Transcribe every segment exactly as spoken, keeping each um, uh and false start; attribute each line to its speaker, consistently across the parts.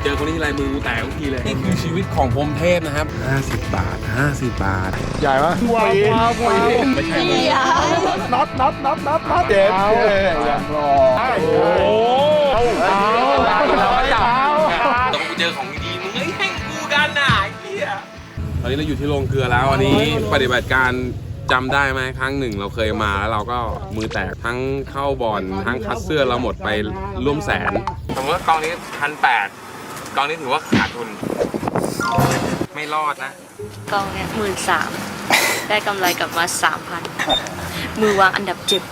Speaker 1: จอคนนี้ทีไรมือกูแตกทุกทีเลยนี่คือชีวิตของพรหมเทพนะครับห้าสิบบาทห้าสิบบาทใหญ่ปะว้าวว้าวไม่ใช่มือน็อตน็อตน็อตน็อตน็อตเจ็บยังรอโอ้เอาเอาต้องกูเจอของดีมึงให้แข่งกูกันน่ะไอ้เหี้ยตอนนี้เราอยู่ที่โรงเกลือแล้วอันนี้ปฏิบัติการจำได้ไหมครั้งหนึ่งเราเคยมาแล้วเราก็มือแตกทั้งเข้าบอลทั้งคัดเสื้อเราหมดไปร่วมแสนสมมติว่ากองนี้พันแปดกองนี้ถือว่าขาดทุนไม่รอดนะ
Speaker 2: กองเนี้ยหมื่นสามได้กำไรกลับมาสามพันมือวางอันดับเจ็ด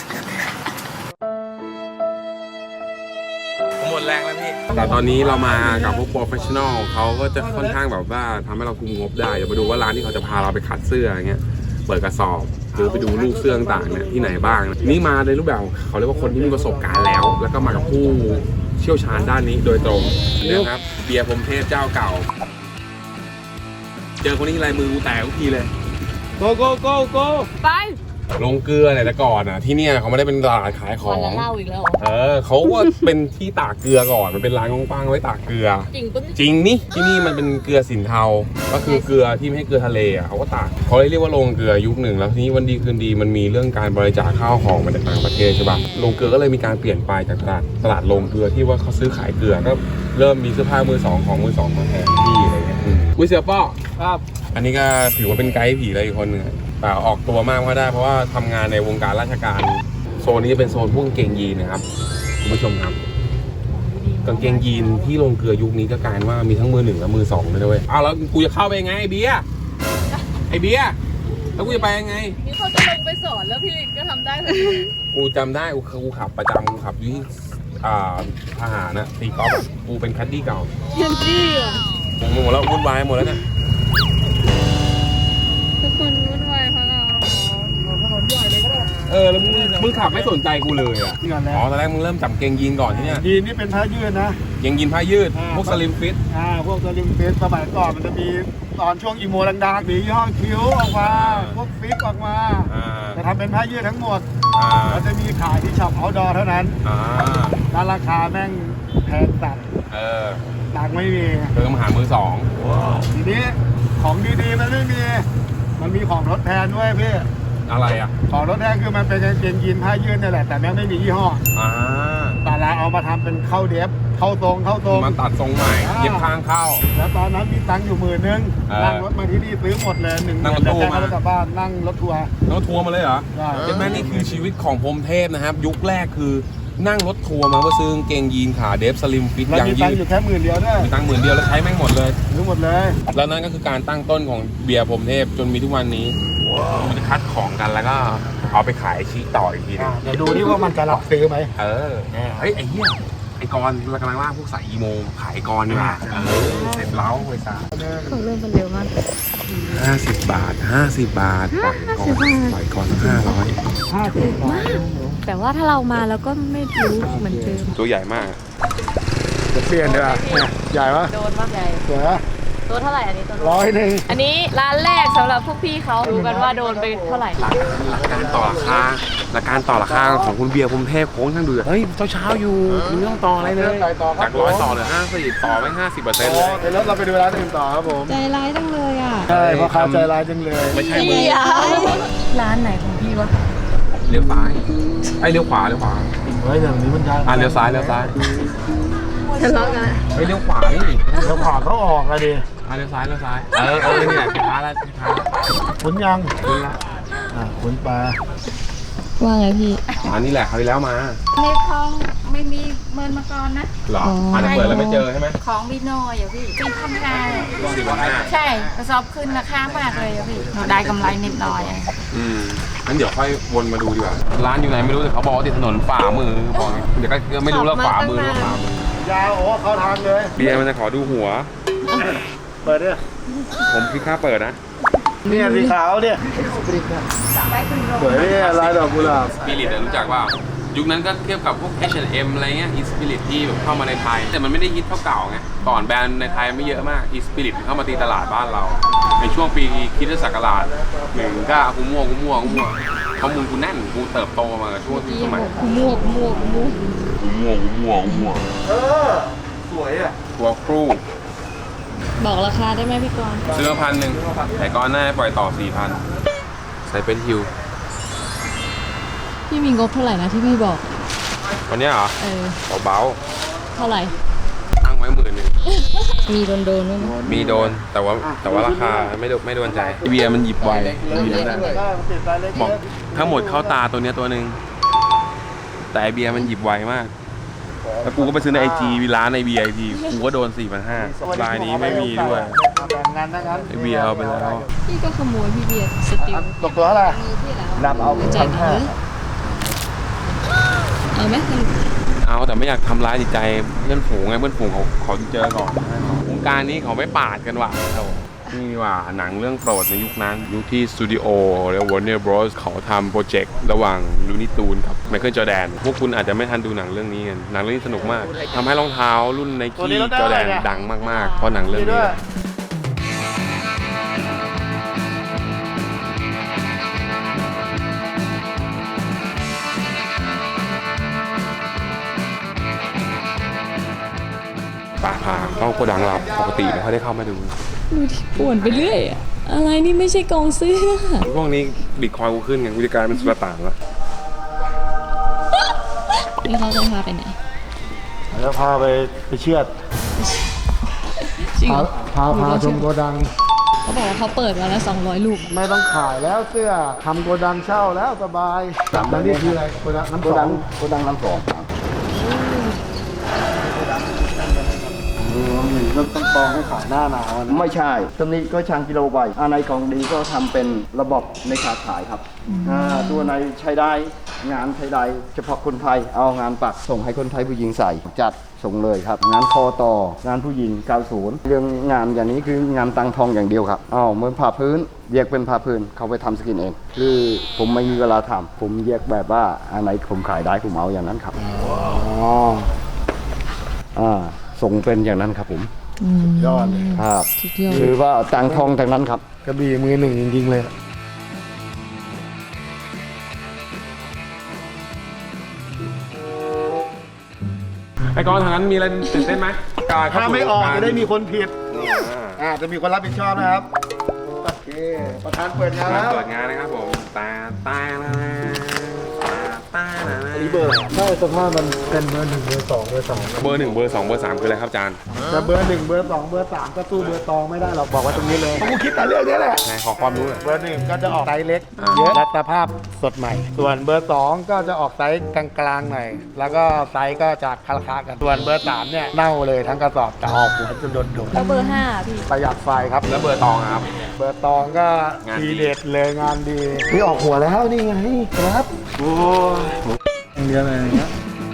Speaker 1: หมดแรงแล้วพี่แต่ตอนนี้เรามากับพวกโปรเฟชชั่นอลเขาก็จะค่อนข้างแบบว่าทำให้เราคุมงบได้เดี๋ยวไปดูว่าร้านที่เขาจะพาเราไปคัดเสื้ออย่างเงี้ยเปิดกระสอบหรือไปดูลูกเสื้อต่างๆเนี่ยที่ไหนบ้างนี่มาในรูปแบบเขาเรียกว่าคนที่มีประสบการณ์แล้วแล้วก็มากับผู้เชี่ยวชาญด้านนี้โดยตรงนะครับเบียร์พรหมเทพเจ้าเก่าเจอคนนี้ทีไรมือกูแตกทุกทีเลยโกโกโกโก
Speaker 2: ไป
Speaker 1: ลงเกลือเนี่ยแต่ก่อนอ่ะที่เนี่ยเขาไม่ได้เป็นตลาดขายของ
Speaker 2: เล่าอีกแล้ว
Speaker 1: เออเขาก็เป็นที่ตากเกลือก่อนมันเป็นร้านกว้างๆไว้ตากเกลือ
Speaker 2: จริงปะ
Speaker 1: จริงนี่ที่นี่มันเป็นเกลือสินเทาก็คือเกลือที่ไม่ให้เกลือทะเลอ่ะเขาก็ตากเขาเลยเรียกว่าโรงเกลือยุคหนึ่งแล้วทีนี้วันดีคืนดีมันมีเรื่องการบริจาคข้าวของมาจากต่างประเทศใช่ป่ะโรงเกลือก็เลยมีการเปลี่ยนไปจากตลาดตลาดโรงเกลือที่ว่าเขาซื้อขายเกลือก็เริ่มมีเสื้อผ้ามือสองของมือสองมาแทนที่อะไรเงี้ยอุ้ยเสือป้อครับอันนี้ก็ถือว่าเป็นไกด์ผีเลยอีกคนนึงแต่ออกตัวมากก็ได้เพราะว่าทำงานในวงการราชการโซนนี้เป็นโซนพวกกางเกงยีนนะครับคุณผู้ชมครับกางเกงยีนที่โรงเกลือยุคนี้ก็กลายว่ามีทั้งมือหนึ่งและมือสองเลยด้วยอ้าวแล้วกูจะเข้าไปยังไงไอเบียร์ไอเบียร์แล้วกูจะไปยังไง
Speaker 2: นี่เขาจะลงไปสอนแล้วพี่ลิศก็ทำได้เลย
Speaker 1: กูจำได้กูกูขับประจำกูขับอยู่ที่อ่าทหารนะตีกอล์ฟกูเป็นคัดดี้เก่า
Speaker 2: เยี่ยมจี้อ่ะ
Speaker 1: หมดแล้ววุ่นวายหมดแล้วเนี่ย
Speaker 2: ทุกคนวุ่นวายเพราะเราถนนใหญ่เลยก็ได้
Speaker 1: เออแล้วมึงมึงขับไม่สนใจกูเลยอ่ะอ๋อตอนแรกมึงเริ่มจับเกงยีนก่อนที่เนี่ย
Speaker 3: ยีนนี่เป็นผ้ายืดนะ
Speaker 1: เกงยีนผ้ายืดพวกสลิมฟิต
Speaker 3: อ่าพวกสลิมฟิตสมัยก่อนมันจะมีตอนช่วงอีโมดังๆมีย่อคิ้วออกมาพวกฟิตออกมาจะทำเป็นผ้ายืดทั้งหมดแล้วจะมีขายที่ช็อปเอาท์ดอร์เท่านั้นแล้วราคาแม่งแพงตัด
Speaker 1: เออ
Speaker 3: ตังไม่มี
Speaker 1: เติมหามือสอง
Speaker 3: ทีนี้ของดีๆมันไม่มีมันมีของทดแทนด้วยพี่
Speaker 1: อะไรอ่ะ
Speaker 3: ของทดแทนคือมันเป็นกางเกงยีนผ้ายืดนี่แหละแต่แม่งไม่มียี่ห้อ
Speaker 1: อ่า
Speaker 3: แต่เราเอามาทำเป็นเข้าเดฟเข้าทรงเข้าทรง
Speaker 1: มาตัดทรงใหม่เย็บข้างเข้า
Speaker 3: แล้วตอนนั้นมีตังค์อยู่หมื่นนึงนั่งรถมาที่นี่ซื้อหมดเลยหนึ่งหมื่นแต่แค่รถกลับบ้านนั่งรถทัวร์
Speaker 1: รถทัวร์มาเลยเหรอ
Speaker 3: ใช่
Speaker 1: เห็นไหมนี่คือชีวิตของพรหมเทพนะครับยุคแรกคือนั่งรถทัวร์มาเพื่อซื้อกางเกงยีนขาเดฟสลิมฟิต
Speaker 3: ยังยืดอยู่แค่หมื่นเดียวด้วย
Speaker 1: มีตังค์หมื่นเดียวแล้วใช้แม่งหมดเลย
Speaker 3: ซื้อหมดเลย
Speaker 1: แล้วนั่นก็คือการตั้งต้นของเบียร์พรหมเทพจนมีทุกวันนี้มันจะคัดของกันแล้วก็เอาไปขายชี้ต่ออีกทีนึง
Speaker 3: เดี๋ยวดูนี่ว่ามันจะรับซื้อไหม
Speaker 1: เออเฮ้ยไอ้เหี้ยไอ้กรเรากำลังว่าพวกสายอีโมขายกรดีกว่าเออเสร็จแล้วไปซะ
Speaker 2: เขาเริ่มกันเร็วมาก
Speaker 1: ห้าสิบบาทห้าสิบบาทปล่อยกรปล่อยกรห้าร้อย
Speaker 3: ห้าสิบบาท
Speaker 2: แต่ว่าถ้าเรามาแล้วก็ไม่รู้เหมือนเดิม
Speaker 1: ตัวใหญ่มาก
Speaker 3: จะเปลี่ยนดีกว่าใหญ่ปะ
Speaker 2: โดนมากใหญ่
Speaker 3: สวย
Speaker 2: ตัวเท่าไหร่อันนี้ตัว
Speaker 3: ร้อยหนึ่ง
Speaker 2: อันนี้ร้านแรกสำหรับพวกพี่เขารู้กันว่าโดนไปเท่าไหร่
Speaker 1: หลักการต่อราคาหลักการต่อราคาของคุณเบียร์พรหมเทพโค้งทั้งเดือเฮ้ยเช้าๆอยู่มึงต้องต่ออะไรเลยจากร้อยต่อเหลือห้าสิบต่อไม่ห้าสิบเปอร์เซ็นต์เลย
Speaker 3: เดี๋ยวเราไปดูร้านอื่นต่อครับผม
Speaker 2: ใจร้ายจังเลยอ่ะ
Speaker 3: ใช่เพราะเขาใจร้ายจังเลย
Speaker 1: ไม่ใช่มึง
Speaker 2: ร้านไหนของพี่วะ
Speaker 1: เลี้ยวซ้ายไอ้เลี้ยวขวาเลี้ยวขวา
Speaker 3: เฮ้ยอย่างนี้มันได้
Speaker 1: อ่ะเลี้ยวซ้ายเลี้ยวซ้าย
Speaker 2: ทะเลาะกัน
Speaker 1: เฮ้ยเลี้ยวขวานี่
Speaker 3: เลี้ยวขวาเขาออกอะดิ
Speaker 1: เลี้ยวซ้ายเลี้ยวซ้ายเออเออนี่แหละพี่ท้าแล้วพี่ท้า
Speaker 3: คุณยัง
Speaker 1: คุณละ
Speaker 3: อ่ะคุณปลา
Speaker 2: ว่าไงพี่
Speaker 1: อันนี้แหละคราวที่แล้วมา
Speaker 4: ในคลองไม่มีเมินมาก่อนนะ
Speaker 1: หรออันนี้เปิดแล้วไม่เจอใช่ไหม
Speaker 4: ของบีโน่อย่าพี่ปีพันห้า
Speaker 1: สี่พันห้า
Speaker 4: ใช่กระสอบขึ้นราคามากเลยอย่าพี่เราได้กำไรนิดหน่อย
Speaker 1: อืมงั้นเดี๋ยวค่อยวนมาดูดีกว่าร้านอยู่ไหนไม่รู้แต่เขาบอกติดถนนฝ่ามือบอกเดี๋ยวก็ไม่รู้แล้วฝ่ามือหรือฝ่ามื
Speaker 3: อยาวโอ้เขาทางเลย
Speaker 1: เบียร์มันจะขอดูหัว
Speaker 3: เปิดเนี่ย
Speaker 1: ผมคิดค่าเปิดนะ
Speaker 3: เนี่ยสีขาวเนี่ยสวยเนี่ยลายดอกกุหลาบ
Speaker 1: สปิริตรู้จักว่ายุคนั้นก็เทียบกับพวก เอช แอนด์ เอ็ม อะไรเงี้ยอีสปิริตที่แบบเข้ามาในไทยแต่มันไม่ได้ฮิตเท่าเก่าไงก่อนแบรนด์ในไทยไม่เยอะมากอีสปิริตเข้ามาตีตลาดบ้านเราในช่วงปีคริสตศักราชหนึ่งก็กูมั่วกูมั่วกูมั่วข้อมูลกูแน่นกูเติบโตมาช่วงสมัย
Speaker 2: กูมั่วกูมั่วกูมั่ว
Speaker 1: กูมั่วกูมั่วกูมั่ว
Speaker 3: เออสวยอ่ะ
Speaker 1: ตัวครู
Speaker 2: บอกราคาได้ไหมพี่กรณ์
Speaker 1: ซื้อมาพันหนึ่งแต่ก้อนหน้าปล่อยต่อสี่พันใส่เป็นฮิว
Speaker 2: พี่มีงบเท่าไหร่นะที่พี่บอก
Speaker 1: วันนี้เหรอ
Speaker 2: เออ
Speaker 1: เบา
Speaker 2: เท่าไหร่
Speaker 1: ๆตั้งไว้หมื่นหนึ่ง
Speaker 2: มีโดนโดนๆด้วยนะ
Speaker 1: มีโดนแต่ว่าแต่ว่าราคาไม่โดนไม่โดนใจเบียร์มันหยิบไวเบียร์ได้บอกทั้งหมดเข้าตาตัวเนี้ยตัวหนึ่งแต่ไอเบียร์มันหยิบไวมากแล้วกูก็ไปซื้อในไอจีร้านในบีไอพีกูก็โดนสี่พันห้าลายนี้ไม่มีด้วย
Speaker 3: แบ่งงานนะงั้น
Speaker 1: ไอเบียร์เอาไปแล้ว
Speaker 2: พี่ก็ขโมยพี่เบียร์สติล
Speaker 3: ตกตัวอะไร
Speaker 2: มีที่แล้ว
Speaker 3: นำเอา
Speaker 2: ใจายตังค์เอาไหมสรุป
Speaker 1: เอาแต่ไม่อยากทำร้ายจิตใจเพื่อนฝูงไงเพื่อนฝูงเขาขอเจอก่อนวงการนี้เขาไม่ปาดกันว่ะนี่ดีกว่าหนังเรื่องโปรดในยุคนั้น ยุคที่สตูดิโอและ Warner Bros เขาทำโปรเจกต์ระหว่างลูนี่ตูนกับไมเคิลจอร์แดนพวกคุณอาจจะไม่ทันดูหนังเรื่องนี้กันหนังเรื่องนี้สนุกมากทำให้รองเท้ารุ่นไนกี้จอร์แดนดังมากๆเพราะหนังเรื่องนี้ ป่าพาเข้าโกดังเราปกติไม่ค่อยได้เข้ามาดู
Speaker 2: ดูที่ป่วนไปเรื่อยอะอะไรนี่ไม่ใช่กองเสื้อ
Speaker 1: พวกนี้บิตคอยน์กูขึ้นไงกูจะกลายเป็นสุลต่านละ
Speaker 2: นี่เขาจะพาไปไหน
Speaker 3: แล้วพาไปไปเชือด
Speaker 2: จริงเหรอ
Speaker 3: พาพาชมโกดัง
Speaker 2: เขาบอกว่าเขาเปิดมาแล้วสองร้อยลูก
Speaker 3: ไม่ต้องขายแล้วเสื้อทำโกดังเช่าแล้วสบายแล้วนี่คืออะไรโกดังน้ำสองโกดังน้ำสองมันต้องกองให้ขายหน้าหนาว
Speaker 5: ไม่ใช่ตรงนี้ก็ช่างกิโลใบอันไหนของดีก็ทำเป็นระบบในขาขายครับอ่าตัวไหนใช้ได้งานใช้ได้เฉพาะคนไทยเอางานปักส่งให้คนไทยผู้หญิงใส่จัดส่งเลยครับ งานคอต่องานผู้หญิงเก้าสิบเรื่องงานอย่างนี้คืองานตังทองอย่างเดียวครับอ้าวเหมือนผ้าพื้นแยกเป็นผ้าพื้นเขาไปทำสกินเองคือผมไม่มีเวลาทำผมแยกแบบว่าอันไหนผมขายได้ผมเอาอย่างนั้นครับอ๋ออ่าส่งเป็นอย่างนั้นครับผม
Speaker 3: ยอดเลย
Speaker 5: ครับ
Speaker 2: สุดยอด
Speaker 5: คือว่าต่างทองทางนั้นครับ
Speaker 3: กระบี่มือหนึ่งจริงๆเลย
Speaker 1: ไอ้กอนทางนั้นมีอะไรตื่นเต้นไหมการ
Speaker 3: ถ้าไม่ออกจะได้มีคนผิด
Speaker 1: อ่า
Speaker 3: อ่าจะมีคนรับผิดชอบนะครับโอเคประธานเปิดงานแล้ว
Speaker 1: เปิดงานนะครับผมตาตาตาตา
Speaker 3: อันนี้เบอร์อะไรใช่สภาพมันเป็นเบอร์หนึ่งเบอร์สองเบอร์สอง
Speaker 1: เบอร์หนึ่งเบอร์สองเบอร์สามคืออะไรครับอาจารย์
Speaker 3: แต่เบอร์หนึ่งเบอร์สองเบอร์สามก็สู้เบอร์ตองไม่ได้หรอกบอกว่าตรงนี้เลยผมคิดแต่เรื่องนี้แหละ
Speaker 1: ไหนขอความรู้หน่อย
Speaker 3: เบอร์หนึ่งก็จะออกไซส์เล็ก
Speaker 1: อ่า
Speaker 3: เยอะและสภาพสดใหม่ ส่วนเบอร์สองก็จะออกไซส์กลางๆหน่อยแล้วก็ไซส์ก็จะคล้าๆกันส่วนเบอร์สามเนี่ยเน่าเลยทั้งกระสอบจะออกหัวจะโดน
Speaker 2: แล้วเบอร์ห้าพี่
Speaker 3: ๆประหยัดไฟครับ
Speaker 1: แล้วเบอร์ตองอะครับ
Speaker 3: เบอร์ตองก็
Speaker 1: งานดี
Speaker 3: ทีเด็ดเลยงานดีนี่ออกหัวแล้วนี่ไงครับ
Speaker 1: โอ้ย
Speaker 3: เดียวเลยอย่างเงี้ย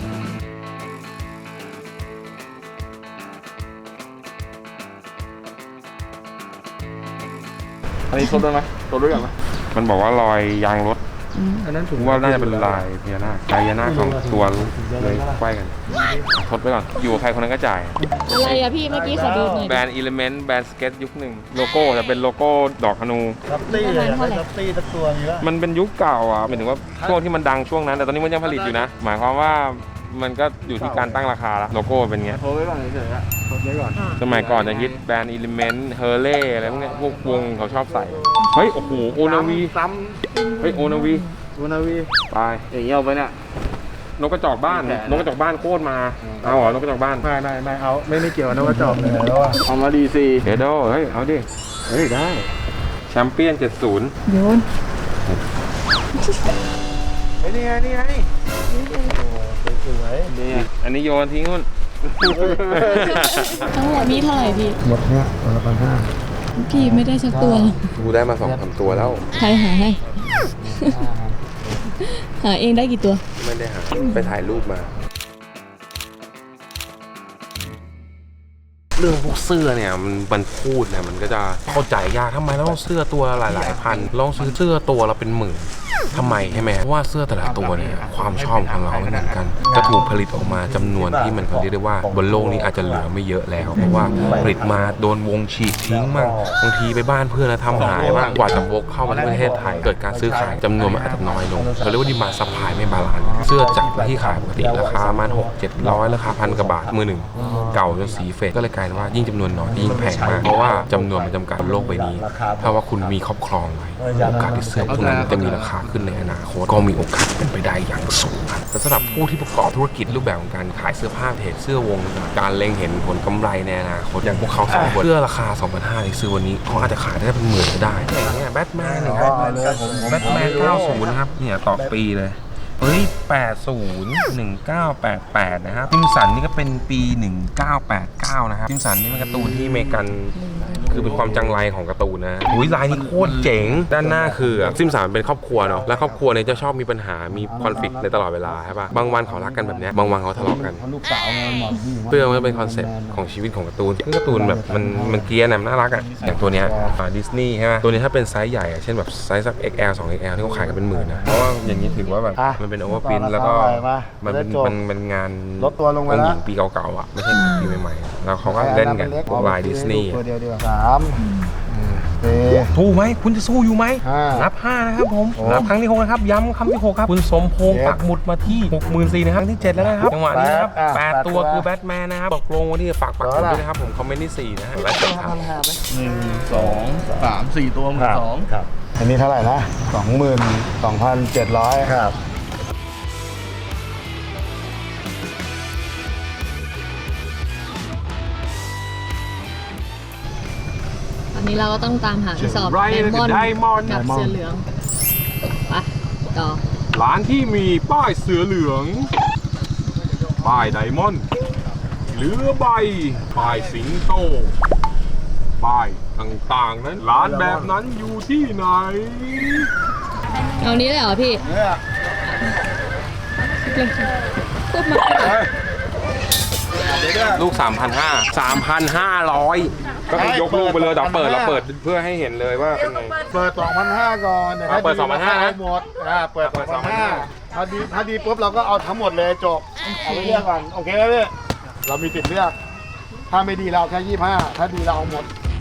Speaker 1: อันนี้ทดด้วยไหมทดด้วยกันไหมมันบอกว่ารอยยางรถ
Speaker 3: อันนั้น
Speaker 1: ผมว่าน่าจะเป็นลายพญานาคลายพญานาคของตัวเลยไขว้กันทดไปก่อนอยู่กับใครคนนั้นก็จ่าย
Speaker 2: อะไรอะพี่เมื่อกี้ขอดูหน่อย
Speaker 1: แบรนด์อิเลเมนต์แบรนด์สเก็ตยุคหนึ่งโลโก้จะเป็นโลโก้ดอกธนู
Speaker 3: ซับตี้เลยอยากได้ซับตี้สักตัวนี้ละ
Speaker 1: มันเป็นยุคเก่าอ่ะหมายถึงว่าช่วงที่มันดังช่วงนั้น แต่ตอนนี้มันยังผลิตอยู่นะ หมายความว่ามันก็อยู่ที่การตั้งราคาละโลโก้เป็นไง
Speaker 3: โทรไว้ก่อนเฉยๆอะโทรไว้ก่อน
Speaker 1: สมัยก่อนจะฮิตแบรนด์อิเลเมนต์เฮอร์เล่อะไรพวกเนี้ยพวกวงเขาชอบใส่ เฮ้ย โอ้โห โอนาวี
Speaker 3: ซ้
Speaker 1: เฮ้ย โอนาวี
Speaker 3: ำโอนาวี
Speaker 1: ตาย
Speaker 3: อย่างเงี้ยเอาไปเนี่ย
Speaker 1: นกกระจอกบ้าน นกกระจอกบ้านโคตรมา เอาเหรอ นกกระจอกบ้าน
Speaker 3: ไม่ไม่ไม่เอาไม่ไม่เกี่ยวนะว่าจอบเลยแล้วอะ
Speaker 5: เอามาดีซี
Speaker 1: เดโดเฮ้ย เอาดิ เฮ้ย ได้ แชมเปี้ยนเจ็ดสิบ
Speaker 2: โยน
Speaker 3: ไอ้นี่ไงนี่ไงโอ้สวยๆนี่
Speaker 1: อันนี้โยนทิ้งนู่น
Speaker 2: ทั้งหมดนี้เท่าไหร่พี่
Speaker 3: หมดเนี่ยตัวละพันห้า
Speaker 2: พี่ไม่ได้สักตัว
Speaker 1: กูได้มาสองสามตัวแล้ว
Speaker 2: ใครหาให้ หาเองได้กี่ตัว
Speaker 1: ไม่ได้หา ไปถ่ายรูปมา เรื่องพวกเสื้อเนี่ยมันมันพูดเนี่ยมันก็จะเข้าใจยากทำไมเราต้องเสื้อตัวหลายๆพันลองซื้อเสื้อตัวเราเป็นหมื่นทำไมใช่ไหมเพราะว่าเสื้อแต่ละตัวเนี่ยความชอบของเราไม่เหมือนกันจะถูกผลิตออกมาจำนวนที่มันเขาเรียกได้ว่าบนโลกนี้อาจจะเหลือไม่เยอะแล้วเพราะว่าผลิตมาโดนวงฉีกทิ้งมั่งบางทีไปบ้านเพื่อนแล้วทำหายบ้างกว่าจะวกเข้ามาในประเทศไทยเกิดการซื้อขายจำนวนมันอาจจะน้อยลงเขาเรียกว่าดีมาซัพพลายไม่บาลานซ์เสื้อจากที่ขายปกติราคาประมาณหกเจ็ดร้อยราคาพันกว่าบาทมือหนึ่งเก่าจนสีเฟดก็เลยกลายเป็นว่ายิ่งจำนวนน้อยยิ่งแพงมากเพราะว่าจำนวนมันจำกัดบนโลกใบนี้ถ้าว่าคุณมีครอบครองไว้โอกาสที่เสื้อพวกนั้นจะมีราคาขึ้นในอนาคตก็มีโอกาสเป็นไปได้อย่างสูงครับแต่สำหรับผู้ที่ประกอบธุรกิจรูปแบบของการขายเสื้อผ้าเพจเสื้อวงการเล็งเห็นผลกำไรในอนาคตอย่างพวกเขาสองคนเสื้อราคา สองพันห้าร้อย ที่ซื้อวันนี้เขาอาจจะขายได้เป็นหมื่นก็ได้อย่างเงี้ยแบทแมนนะครับแบทแมนเก้าสิบนะครับเนี่ยต่อปีเลยเฮ้ยแปดสิบ หนึ่งเก้าแปดแปดนะครับจิมสันนี่ก็เป็นปีหนึ่งเก้าแปดเก้านะครับจิมสันนี่เป็นการ์ตูนที่อเมริกันคือเป็นความจังไรของการ์ตูนนะอุ้ยลายนี้โคตรเจ๋งด้านหน้าคือจิมสันเป็นครอบครัวเนาะและครอบครัวเนี่ยจะชอบมีปัญหามีคอนฟ lict ในตลอดเวลาใช่ปะบางวันเขารักกันแบบเนี้ยบางวันเขาทะเลาะกัน
Speaker 3: ลูกสาวไงหมอผู้หญิง
Speaker 1: เพื่อมันเป็นคอนเซ็ปต์ของชีวิตของการ์ตูนคือการ์ตูนแบบมันมันเกรียร์นะมันน่ารักอ่ะอย่างตัวเนี้ยดิสนีย์ใช่ไหมตัวนี้ถ้าเป็นไซส์ใหญ่อะเช่นแบบไซส์สัก เอ็กซ์ แอล สอง เอ็กซ์ แอล ที่เขาขายกันเป็นหมื่นนะเพราะว่าอย่างนี้ถือว่าแบบมันเป็นโอเวอร์พินแล้วก็มันเป็นมันเป็นงาน
Speaker 3: ลดตัวลงไป
Speaker 1: องค์
Speaker 3: แล้
Speaker 1: ห
Speaker 3: ว
Speaker 1: ญิงปีเก่าๆอ่ะไม่ใช่ปีใหม่ๆแล้วเขาก็เล่นกันพวกลายดิสนีย์
Speaker 3: ตัวเดียวดีกว่าสามสี่
Speaker 1: สู้ไหมคุณจะสู้อยู่ไหม
Speaker 3: ห้า
Speaker 1: นับห้านะครับผม
Speaker 3: โอ้
Speaker 1: นับครั้งที่หกนะครับย้ำคำที่หกครับคุณสมพงษ์
Speaker 3: เจ็ด
Speaker 1: ปักหมุดมาที่ หกหมื่นสี่พัน นะครับครั้งที่เจ็ดแล้วนะครับจังหวะนี้นะครับ
Speaker 3: แปดอ่ะ
Speaker 1: แปด
Speaker 3: แปด
Speaker 1: ตัว
Speaker 3: ตัว
Speaker 1: คือแบทแมนนะครับตกลงวันที่ฝากปักหมุดด้วยนะครับผมคอมเมนต์ที่สี่นะฮะและจบครับ
Speaker 6: หนึ่งสองสามสี่ตัวหมื่นสอง
Speaker 3: ครับอันนี้เท่าไหร่นะสองหมื่นสองพันเจ็ดร้อยครับ
Speaker 2: ตอนนี้เราก็ต้องตามหากระสอบไดมอนด์
Speaker 1: ไดมอนด์
Speaker 2: กับเสื้อเหลืองไปต่อ
Speaker 1: ร้านที่มีป้ายเสือเหลือง ป้ายไดมอนด์เหลือใบ ป้ายสิงโต ป้ายต่างๆนั้น ร้านแบบนั้นอยู่ที่ไหน
Speaker 2: เอานี้เลยเหรอพี่
Speaker 3: เนี่ย
Speaker 2: พูดมา
Speaker 1: ลูก สามพันห้าร้อย สามพันห้าร้อย ก็คือยกลูกไปเลยเราเปิดเราเปิดเพื่อให้เห็นเลยว่าเป็นไง
Speaker 3: เปิด สองพันห้าร้อย ก่อนดี๋ยว
Speaker 1: อ่ะเปิด
Speaker 3: ถ้
Speaker 1: สองพันห้าร้อย นะ
Speaker 3: หมดอ่าเปิด
Speaker 1: เปิด
Speaker 3: สองพันห้าร้อย
Speaker 1: สองพันห้าร้อย
Speaker 3: ถ้าดีถ้าดีปุ๊บเราก็เอาทั้งหมดเลยจบเอาไปเลือกก่อนโอเคไหมพี่เรามีติดเลือก ถ้าไม่ดีเราเอาแค่ยี่สิบห้าถ้าดีเราเอาหมด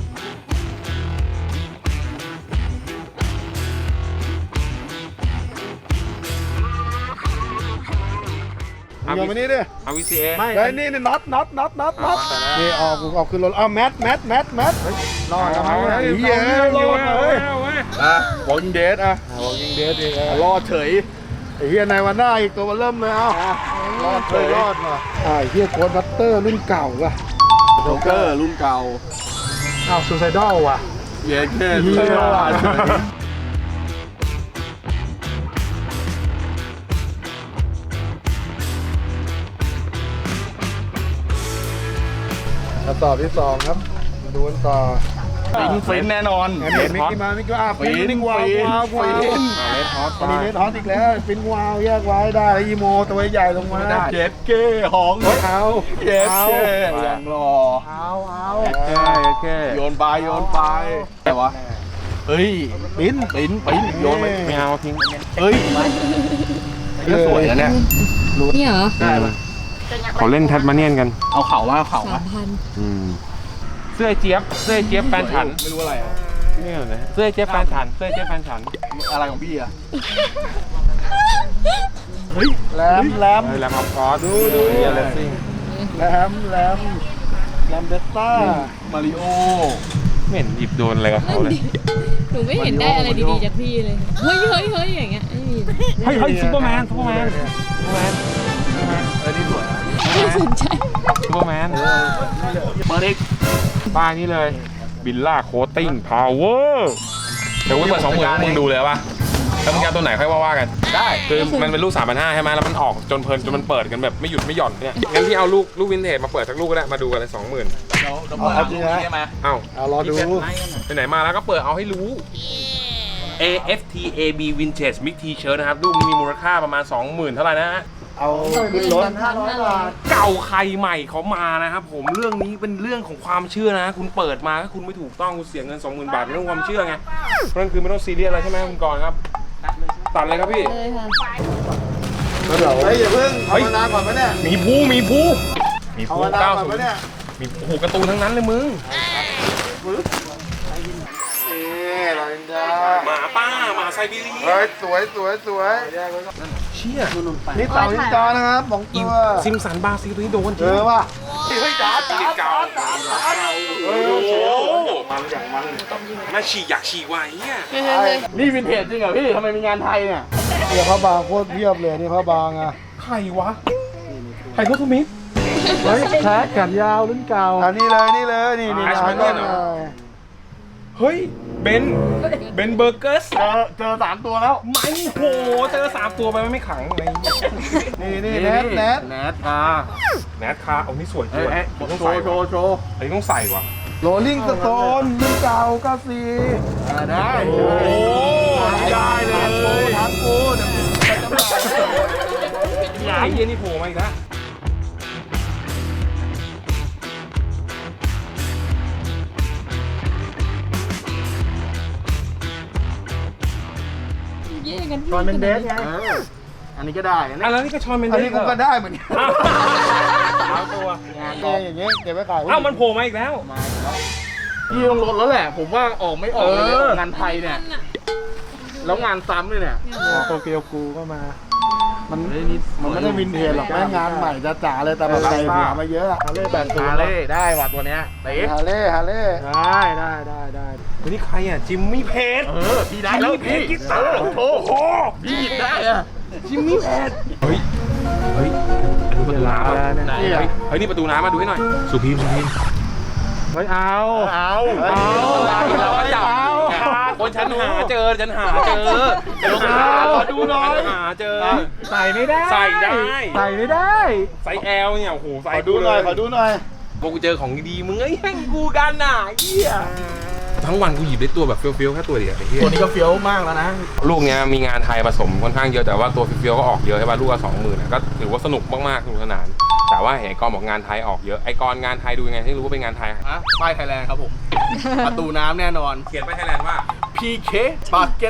Speaker 3: โยนมานี่ดิ
Speaker 1: เอา วี ซี เอ
Speaker 3: ไม่ไอ้นี่นี่น็อตน็อตน็อตน็อตน็อตนี่ออกออกขึ้นรถเอาแมทแมทแมทแมทรอดแล้วมั้งไอ้เหี้ยรอดเลยอ่ะ Walking Dead อ่ะ Walking Dead อีกอ่ะรอดเฉยไอ้เหี้ยในวันหน้าอีกตัวมันเริ่มเลยเอ้ารอดเลยรอดว่ะอ่าไอ้เหี้ยโค้ดบัตเตอร์รุ่นเก่าว่ะ
Speaker 6: โจ๊กเกอร์รุ่นเก่า
Speaker 3: อ้าวซูไซดอลว่ะ
Speaker 6: เย้แค่
Speaker 3: เหี้ยว่ะคำตอบที่สองครับดูกันต่อ
Speaker 6: ฟินฟินแน่นอน
Speaker 3: อันนี้มิกกี้มามิกกี้มาฟินวาววาววาว
Speaker 6: ฟิน
Speaker 1: เลดฮอต
Speaker 3: อันนี้เลดฮอตอีกแล้วฟินวาวแยกไว้ได้แล้วอีโมตัวใหญ่ลงมา
Speaker 6: เจ็ดเก้หอง
Speaker 3: เฮ้ยเอา
Speaker 6: เจ็ด
Speaker 3: เอา
Speaker 6: เก้ยังรอ
Speaker 3: เอาเอา
Speaker 1: แค่แค่
Speaker 6: โยนไปโยนไปแต่วะเฮ้ย
Speaker 3: ปิ้น
Speaker 6: ปิ้นปิ้นโยนไป
Speaker 1: ไม่เอาทิ้ง
Speaker 6: เฮ้ยนี่สวยนะเนี่ย
Speaker 2: นี่เหรอ
Speaker 1: เขาเล่นแทสมาเนียนกัน
Speaker 6: เอาเข่ามาเอาเข่า
Speaker 2: สา
Speaker 6: มา
Speaker 2: มพัน
Speaker 1: เสื้อเจี๊ยบเสื้อเจี๊ยบแฟนฉัน
Speaker 6: ไม่รู้อะไรอะ
Speaker 1: นี่เหรอเนี่ยเสื้อเจี๊ยบแฟนฉันเสื้อเจี๊ยบแฟนฉัน
Speaker 6: อะไรของพี่อะ
Speaker 3: แหลมแหลม
Speaker 1: เฮ้ยแล้วครับคอสดูดูเฮียเลสซิ่ง
Speaker 3: แหลมแหลมแหลมเดสต้า
Speaker 6: มาริโอ
Speaker 1: ไม่เห็นหยิบโดนอะไรกับเขาเลย
Speaker 2: หนูไม่เห็นได้อะไรดีๆจากพี่เลย เฮ้ยเฮ้ยเฮ้ยอย่างเงี้ยไม่มี
Speaker 1: เฮ้ยเฮ้ยซูเปอร์แมนซูเปอร์แมนซูเปอร์แมน
Speaker 6: เออนี่สวยนะ
Speaker 2: ไม่สนใจ
Speaker 1: ซูเปอร์แมน
Speaker 6: เปิดอีก
Speaker 1: ป้ายนี้เลยบิลล่าโคตติ้งพาวเวอร์เดี๋ยวกูเปิดสองหมื่นมึงดูเลยป่ะแล้วมึงจะเอาตัวไหนค่อยว่าว่ากัน
Speaker 6: ได้
Speaker 1: คือมันเป็นลูกสามพันห้าใช่ไหมแล้วมันออกจนเพลินจนมันเปิดกันแบบไม่หยุดไม่หย่อนเนี่ยงั้นพี่เอาลูกลูกวินเทจมาเปิดสักลูกก็ได้มาดูกันเลยสองหมื่น
Speaker 6: เดี๋ยวเดี๋ยวเปิดเอาดูนี่ใช่ไหม
Speaker 1: เอ้า
Speaker 3: เอารอดู
Speaker 1: ไปไหนมาแล้วก็เปิดเอาให้รู้ เอ เอฟ ที เอ บี Vintage Mix T-shirt นะครับลูกนี้มีมูลค่าประมาณ สองหมื่น เท่าไหร่นะฮะ
Speaker 3: เอาขึ้นรถห้าร้อยบาท
Speaker 1: เก่าใครใหม่เขามานะครับผมเรื่องนี้เป็นเรื่องของความเชื่อนะ คุณเปิดมาถ้าคุณไม่ถูกต้องคุณเสียเงิน สองหมื่น บาทเป็นเรื่องความเชื่อไงเพราะนั่นคือไม่ต้องซีเรียสอะไรใช่ไหมคุณกรณ์ครับตัดเลยครับพี่
Speaker 2: เลยค่ะ
Speaker 3: แล้วเดี๋ยวเฮ้ยอย่าเพิ่งภาวนาก่อนไหมเนี่ย
Speaker 1: มีผู้มีผู้มี
Speaker 3: ภา
Speaker 1: ผู้
Speaker 3: วนา
Speaker 1: เก้า
Speaker 3: ก่อน
Speaker 1: ศู
Speaker 3: ไหม
Speaker 1: นย์
Speaker 3: เนี่ย
Speaker 1: มีโอ้โหการ์ตูนทั้งนั้นเลยมึง
Speaker 3: นี่เราอินดา
Speaker 1: หมาป้าหมาไซบีเรีย
Speaker 3: เฮ้ยสวยสวยสวย
Speaker 1: เชี่ชี่ย
Speaker 3: นี่เต่าลิงจอนะครับสองตัว
Speaker 1: ซิมสันบราซิลตัวนี้โดนจ
Speaker 3: เอ
Speaker 1: ริง
Speaker 3: อว่ะ
Speaker 1: เฮ้ยจ๋าจ๋าจ๋าจ๋าโอ้โหมันอย่างมันมาฉี่อยากฉี่ไว้เนี่ย
Speaker 6: นี่วินเทจจริงเหรอพี่ทำไมมีงานไทยเนี่ย
Speaker 3: เดี๋ยวพระบางโคตรเพียบเลยนี่พระบางอ่ะ
Speaker 1: ใครวะใครโทษทุมิต
Speaker 3: เฮ้ยแท็กกันยาวรุ่นเก่าอันนี้เลยนี่เลยนี่นี่
Speaker 1: อ่า
Speaker 3: นะ
Speaker 1: ใช่ไหมเนี่ย เฮ้ยเบนเบนเบอร์เกอร์ส
Speaker 6: เจอเจอสามตัวแล้ว
Speaker 1: มันโหเจอสามตัวไปไม่ขังอะไร
Speaker 3: นี่นี่แนทแนท
Speaker 6: แนทอ่า
Speaker 1: แนทคาเอานี่สวยจริ
Speaker 6: เอ้
Speaker 1: ง
Speaker 6: ยเอ้ย
Speaker 1: ต้อง
Speaker 6: โช
Speaker 1: ใส่
Speaker 6: ว์โชว์โชว์
Speaker 1: อันนี้ต้องใส่ว่ะ
Speaker 3: โรลลิ่งสโตนรุ่นเก่าเก้าสี่
Speaker 6: อ่าได้
Speaker 1: โอ้ได้เลย
Speaker 3: ทางกูเดี๋ยวไปจำหน่าย
Speaker 1: ไอ้เหี้ยนี่โผล่มาอีกแล้ว
Speaker 3: ตอนเป็นเดสไง
Speaker 6: เอออันนี้ก็ได้นะ
Speaker 1: อ่ะ
Speaker 6: เนี่ย
Speaker 1: แล้วนี่ก็ชอนเมนเด
Speaker 3: อัน
Speaker 1: ส
Speaker 3: นี้กูก็ได้เหมือนกัน
Speaker 1: สามตัว
Speaker 3: งานเองอย่างเงี้ยเก็บไว้ขาย
Speaker 1: อ้าวมันโผล่มาอีกแล้ว
Speaker 6: พี่ต้องลดแล้วแหละ ผมว่าออกไม่ออกเลยเนี่ย
Speaker 1: เออ
Speaker 6: งานไทยเนี่ย แล้วงานซ้ำเลยเนี่ย
Speaker 3: โตเกียวกูก็มา มันมันไม่ได้วินเทจหรอกแม่งงานใหม่จ๋าๆเลยแต่มันใส่หัวมาเยอะฮาเล่แปดสิบ
Speaker 6: ฮาเล่ได้ว่ะตัวเนี้ยเต๋
Speaker 3: ฮาเล่ฮาเล่ได้ได้ได้ได้
Speaker 1: วันนี้ใครอ่ะ จิมมี่เพจ
Speaker 6: เออพี่ได้แล้ว
Speaker 1: จิมมี่เพจกีตาร์
Speaker 6: โอ้โหพี่หยิบได้อะ
Speaker 1: จิมมี่เพจเฮ้ย เฮ้ยอันนี้ประตูน้ำอ่ะ
Speaker 6: ไหน
Speaker 1: เฮ้ยเฮ้ยนี่ประตูน้ำมาดูให้หน่อย สุพีมสุพีม
Speaker 3: เฮ้ยเอา
Speaker 6: เอา
Speaker 3: เอา
Speaker 1: เราก็จับคนฉันหาเจอฉันหาเจอเดี๋ยวขอดูหน่อยหาเจอ
Speaker 3: ใส่ไม่ได้
Speaker 1: ใส่ได้
Speaker 3: ใส่ไม่ได้
Speaker 1: ไซส์ L เนี่ยโอ้โหใส่
Speaker 3: ขอดูหน่อยขอดูหน่อย
Speaker 1: พอกูเจอของดีๆมึงไอ้แห่งกูกันน่ะเหี้ยทั้งวันกูหยิบได้ตัวแบบเฟี้ยวๆแค่ตัวเดียวไอ้เหี้ย
Speaker 6: ตัวนี้ก็เฟี้ยวมากแล้วนะ
Speaker 1: ลูกเนี้ยมีงานไทยผสมค่อนข้างเยอะแต่ว่าตัวเฟี้ยวๆก็ออกเยอะใช่ป่ะลูกละสองหมื่นก็ถือว่าสนุกมากๆสนุกสนานแต่ว่าเห็นไอ้กรบอกงานไทยออกเยอะไอ้กรงานไทยดูยังไงให้รู้ว่าเป็นงานไทย
Speaker 6: ฮะป้ายไทยแลนด์ครับผม ประตูน้ำแน่นอน
Speaker 1: เขียนไปไทยแลนด์ว่า
Speaker 6: พี เค Bucket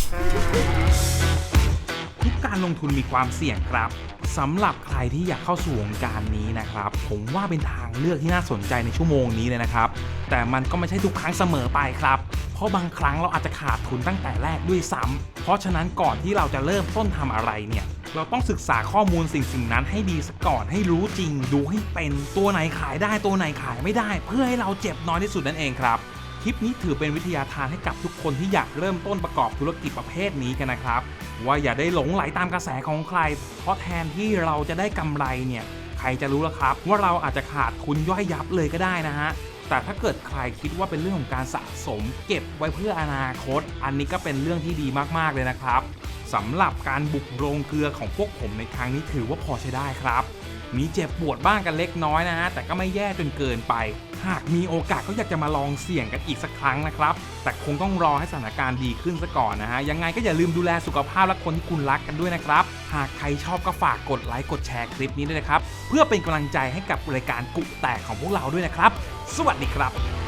Speaker 7: ทุกการลงทุนมีความเสี่ยงครับสำหรับใครที่อยากเข้าสู่วงการนี้นะครับผมว่าเป็นทางเลือกที่น่าสนใจในชั่วโมงนี้เลยนะครับแต่มันก็ไม่ใช่ทุกครั้งเสมอไปครับเพราะบางครั้งเราอาจจะขาดทุนตั้งแต่แรกด้วยซ้ำเพราะฉะนั้นก่อนที่เราจะเริ่มต้นทำอะไรเนี่ยเราต้องศึกษาข้อมูลสิ่งสิ่งนั้นให้ดีซะก่อนให้รู้จริงดูให้เป็นตัวไหนขายได้ตัวไหนขายไม่ได้ เพื่อให้เราเจ็บน้อยที่สุดนั่นเองครับคลิปนี้ถือเป็นวิทยาทานให้กับทุกคนที่อยากเริ่มต้นประกอบธุรกิจประเภทนี้กันนะครับว่าอย่าได้หลงไหลตามกระแสของใครเพราะแทนที่เราจะได้กำไรเนี่ยใครจะรู้ล่ะครับว่าเราอาจจะขาดทุนย่อยยับเลยก็ได้นะฮะแต่ถ้าเกิดใครคิดว่าเป็นเรื่องของการสะสมเก็บไว้เพื่ออนาคตอันนี้ก็เป็นเรื่องที่ดีมากๆเลยนะครับสำหรับการบุกโรงเกลือของพวกผมในครั้งนี้ถือว่าพอใช้ได้ครับมีเจ็บปวดบ้างกันเล็กน้อยนะฮะแต่ก็ไม่แย่จนเกินไปหากมีโอกาสก็อยากจะมาลองเสี่ยงกันอีกสักครั้งนะครับแต่คงต้องรอให้สถานการณ์ดีขึ้นซะก่อนนะฮะยังไงก็อย่าลืมดูแลสุขภาพและคนที่คุณรักกันด้วยนะครับหากใครชอบก็ฝากกดไลค์กดแชร์คลิปนี้ด้วยนะครับเพื่อเป็นกำลังใจให้กับรายการกุแตกของพวกเราด้วยนะครับสวัสดีครับ